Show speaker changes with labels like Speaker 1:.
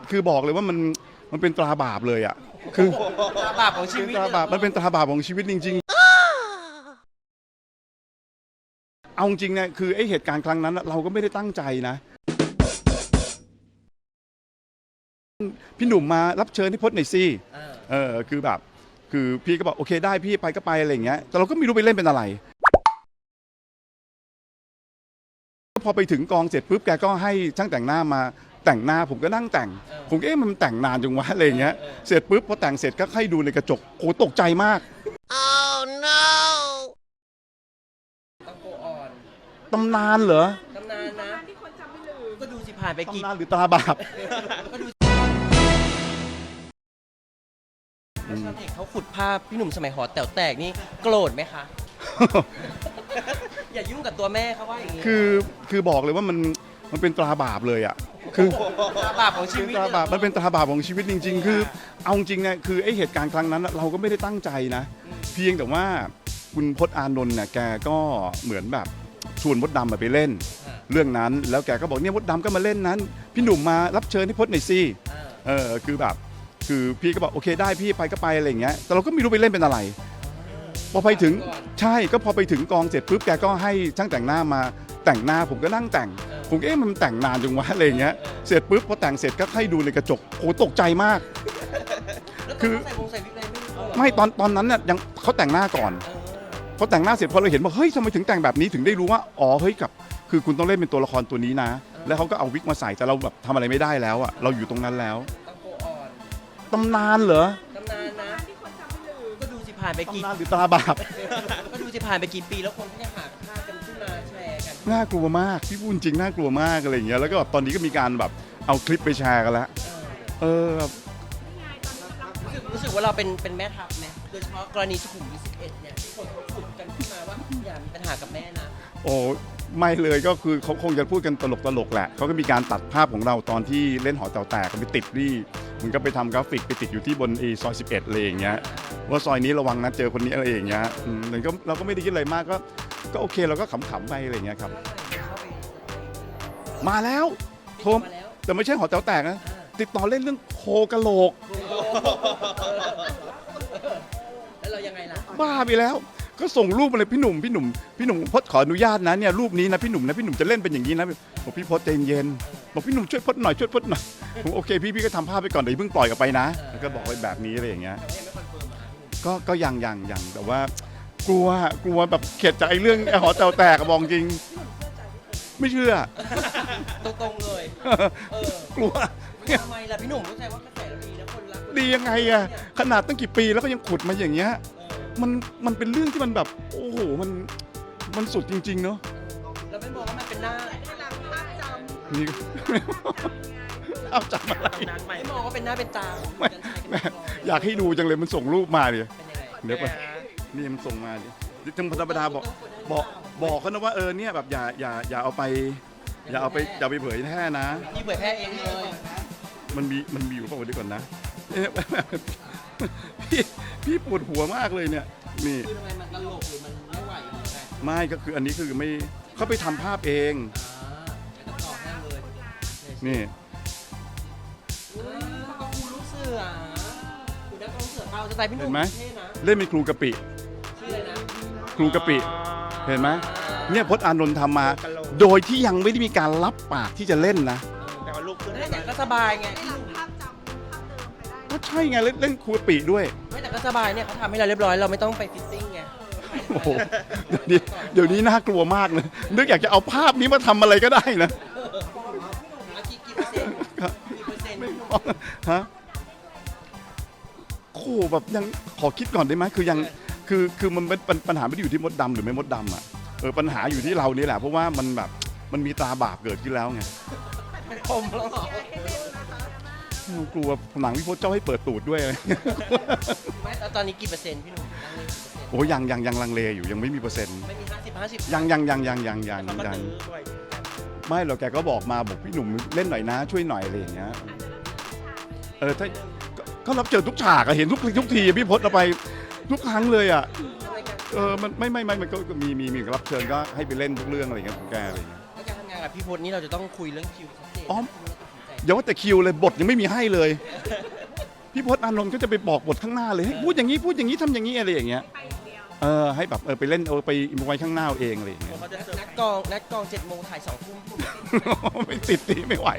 Speaker 1: คือบอกเลยว่ามันเป็นตราบาปเลยอ่ะคือ
Speaker 2: ตราบาปของชีวิต
Speaker 1: ตราบาปมันเป็นตราบาปของชีวิตจริงๆเอาจริงเนี่ยคือไอเหตุการณ์ครั้งนั้นเราก็ไม่ได้ตั้งใจนะพี่หนุ่มมารับเชิญให้พจน์หน่อยสิคือแบบคือพี่ก็บอกโอเคได้พี่ไปก็ไปอะไรอย่างเงี้ยแต่เราก็ไม่รู้ไปเล่นเป็นอะไรพอไปถึงกองเสร็จปุ๊บแกก็ให้ช่างแต่งหน้ามาแต่งหน้าผมก็นั่งแต่งผมก็มันแต่งนานจังวะอะไรอย่างเงี้ยเสร็จปุ๊บพอแต่งเสร็จก็ให้ดูในกระจกโหตกใจมาก
Speaker 3: Oh no
Speaker 2: ต้องโกอ่อน
Speaker 1: ตำนานเหรอ
Speaker 2: ตำนานนะก็ดูสิผ่านไปกี่
Speaker 1: ตำนานหรือตราบาป
Speaker 2: ก็ดูชาวเน็ตเขาขุดภาพพี่หนุ่มสมัยหอแต๋วแตกนี่โกรธไหมคะ อย่ายุ่งกับตัวแม่เขาว่าอย่างนี้
Speaker 1: คือบอกเลยว่ามันเป็นตราบาปเลยอ่ะคือ
Speaker 2: ตราบาปของชีวิต
Speaker 1: ตราบาปมันเป็นตราบาปของชีวิตจริงๆคือเอาจริงเนี่ยคือไอเหตุการณ์ครั้งนั้นเราก็ไม่ได้ตั้งใจนะเพียงแต่ว่าคุณพจน์อานนท์เนี่ยแกก็เหมือนแบบชวนมดดำไปเล่นเรื่องนั้นแล้วแกก็บอกเนี่ยมดดำก็มาเล่นนั้นพี่หนุ่มมารับเชิญให้พจน์หน่อยสิคือแบบคือพี่ก็บอกโอเคได้พี่ไปก็ไปอะไรอย่างเงี้ยแต่เราก็ไม่รู้ไปเล่นเป็นอะไรพอไปถึงใช่ก็พอไปถึงกองเสร็จปุ๊บแกก็ให้ช่างแต่งหน้ามาแต่งหน้าผมก็นั่งแต่งผมก็มันแต่งนานจังวะอะไรอย่างเงี้ยเสร็จปุ๊บพอแต่งเสร็จก็ให้ดูในกระจกโหตกใจมากคือไม่ตอนนั้นเนี่ยยังเขาแต่งหน้าก่อนพอแต่งหน้าเสร็จพอเราเห็นว่าเฮ้ยทำไมถึงแต่งแบบนี้ถึงได้รู้ว่าอ๋อเฮ้ยกับคือคุณต้องเล่นเป็นตัวละครตัวนี้นะแล้วเขาก็เอาวิกมาใส่แต่เราแบบทำอะไรไม่ได้แล้วอ่ะเราอยู่ตรงนั้นแล้วตำนานเหรอ
Speaker 2: ตำนานนะก็ดูสิผ่านไปกี่
Speaker 1: ตำนานหรือตราบาป
Speaker 2: ก็ดูสิผ่านไปกี่ปีแล้วคนก็ยังหาภาพกันขึ้นมาแชร์กัน
Speaker 1: น่ากลัวมากพี่พูดจริงน่ากลัวมากอะไรอย่างเงี้ยแล้วก็แบบตอนนี้ก็มีการแบบเอาคลิปไปแชร์กันแล้วแบบ
Speaker 2: รู้สึกว่าเราเป็นแม่ทัพไหมโดยเฉพาะกรณีสุขุมวิท11เนี่ยที่คนเขาขุดกันขึ้นมาว่าอย่ามีปัญหากับแม่นะ
Speaker 1: โอ้ไม่เลยก็คือเขาคงจะพูดกันตลกแหละเขาก็มีการตัดภาพของเราตอนที่เล่นหอแต๋วแตกไปติดที่มันก็ไปทำกราฟิกไปติดอยู่ที่บนซอย11อะไรอย่างเงี้ยว่าซอยนี้ระวังนะเจอคนนี้อะไรอย่างเงี้ยมันก็เราก็ไม่ได้คิดอะไรมากก็โอเคเราก็ขำๆไปอะไรอย่างเงี้ยครับมาแล้วโทรแต่ไม่ใช่หอแต๋วแตกนะติดต่อเล่นเรื่องโคกะโหลก
Speaker 2: แล้วเรายังไงล่ะ
Speaker 1: บ้าไปแล้วก็ส่งรูปมาเลยพี่หนุ่มพจน์ขออนุญาตนะเนี่ยรูปนี้นะพี่หนุ่มจะเล่นเป็นอย่างนี้นะบอกพี่พจน์ใจเย็นบอกพี่หนุ่มช่วยพจน์หน่อยผมโอเคพี่ก็ทำภาพไปก่อนเดี๋ยวเพิ่งปล่อยออกไปนะแล้วก็บอกไว้แบบนี้อะไรอย่างเงี้ยก็ยังแต่ว่ากลัวแบบเข็ดจากไอ้เรื่องหอแต๋วแตกอะบอกจริงไม่เชื่อ
Speaker 2: ตรงๆเลย
Speaker 1: กลัว
Speaker 2: ทำไมล่ะพี่หนุ่มเข้าใจว่ากระแสเราดีนะคนรัก
Speaker 1: ดียังไงอะขนาดตั้งกี่ปีแล้วก็ยังขุดมาอย่างเงี้ยมันเป็นเรื่องที่มันแบบโอ้โหมันสุดจริงๆเนาะ
Speaker 2: เราไม่มองว่ามันเป็นหน้า
Speaker 1: นี่ เอาจำอะไร
Speaker 2: ไม่มองว่าเป็นหน้าเป็นตาของ
Speaker 1: ไม่
Speaker 2: กันชัยกัน
Speaker 1: แม่
Speaker 2: ก่อน
Speaker 1: อยากให้ดูจังเลยมันส่งรูปมาดิ
Speaker 2: เป็นยังไง
Speaker 1: เดี๋ยวไปนี่มันส่งมาดิทั้งธรรมดาบอกเขานะว่าเนี่ยแบบอย่าเอาไปอย่าไปเผยแพร่นะ
Speaker 2: พี่เผยแพร่เองเลย
Speaker 1: มันมีอยู่เปล่าวะเดี๋ยวก่อนนะพี่ปวดหัวมากเลยเนี่ยนี่
Speaker 2: คือทำไมมันตลกหรือมันไม่ไหวหรือไง
Speaker 1: ไม่ก็คืออันนี้คือไม่เขาไปทำภาพเอง
Speaker 2: แล้วก็ต่อให้เลย
Speaker 1: นี่
Speaker 2: ก็ครูลูกเสือครูนักร้องเสือเอาสไตล์พี่หนุ่
Speaker 1: เห็
Speaker 2: ม
Speaker 1: นไหม
Speaker 2: เท่นะ
Speaker 1: เล่นเป็นครูกะปิ
Speaker 2: ชื่ออะไรนะ
Speaker 1: ครูกะปิเห็นไหมเนี่ยพจน์อานนท์ทำมา โดยที่ยังไม่ได้มีการรับปากที่จะเล่นนะ
Speaker 2: แต่ว่าลูกขึ้นแต่ก็สบายไง
Speaker 1: ก็ใช่ไงเล่นครูกะปิด้วย
Speaker 2: ไม่แต่ก็สบายเนี่ยเขาทำให้เราเรียบร้อยเราไม่ต้องไปฟิตติ้งไง
Speaker 1: โอ้โหเดี๋ยวนี้น่ากลัวมากเลยนึกอยากจะเอาภาพนี้มาทำอะไรก็ได้นะ
Speaker 2: กี่เปอร์เซ็นต์กี่เปอร์เซ็นต์
Speaker 1: ฮะโอ้โหแบบยังขอคิดก่อนได้ไหมคือยังคือมันเป็นปัญหาไม่ได้อยู่ที่มดดำหรือไม่มดดำอ่ะปัญหาอยู่ที่เรานี่แหละเพราะว่ามันแบบมันมีตราบาปเกิดขึ้นแล้วไง
Speaker 2: ผมแล้วเหรอก
Speaker 1: ลัวหนังพี่พจน์เจ้าให้เปิดตูดด้วยอะไร
Speaker 2: ไม่แล้วตอนนี้กี่เปอร์เซ็นต์พี่หนุ่มตั้งเลยกี่เปอร์เซ็นต์
Speaker 1: โอ้ยังลังเลอยู่ยังไม่มีเปอร์เซ็นต์
Speaker 2: ไม่มี50
Speaker 1: ยัง
Speaker 2: ด้วย
Speaker 1: ไม่หรอกแกก็บอกมาบอกพี่หนุ่มเล่นหน่อยนะช่วยหน่อยอะไรอย่างเงี้ยถ้าก็รับเจอทุกฉากอะเห็นทุกทีพี่พจน์เราไปทุกครั้งเลยอะมันมันก็มีรับเชิญก็ให้ไปเล่นทุกเรื่องอะไรอย่างเงี้ยของแกอะไรอย่างเงี้ย
Speaker 2: แล้วการทำงานกับพี่พจน์นี่เราจะต้องคุยเรื่องคิวชัดเจน
Speaker 1: อ๋ออย่าว่าแต่คิวเลยบทยังไม่มีให้เลย พี่พจน์อานนท์ก็จะไปบอกบทข้างหน้าเลยให้พูดอย่างนี้พูดอย่างนี้ทำอย่างนี้อะไรอย่างเงี้ยให้แบบไปเล่นไปไว้ข้างหน้าเอาเองอะไรอย่างเงี้ย
Speaker 2: นัดกอง7 โมงถ่าย2 ทุ่ม
Speaker 1: ไม่ติดตีไม่ไหว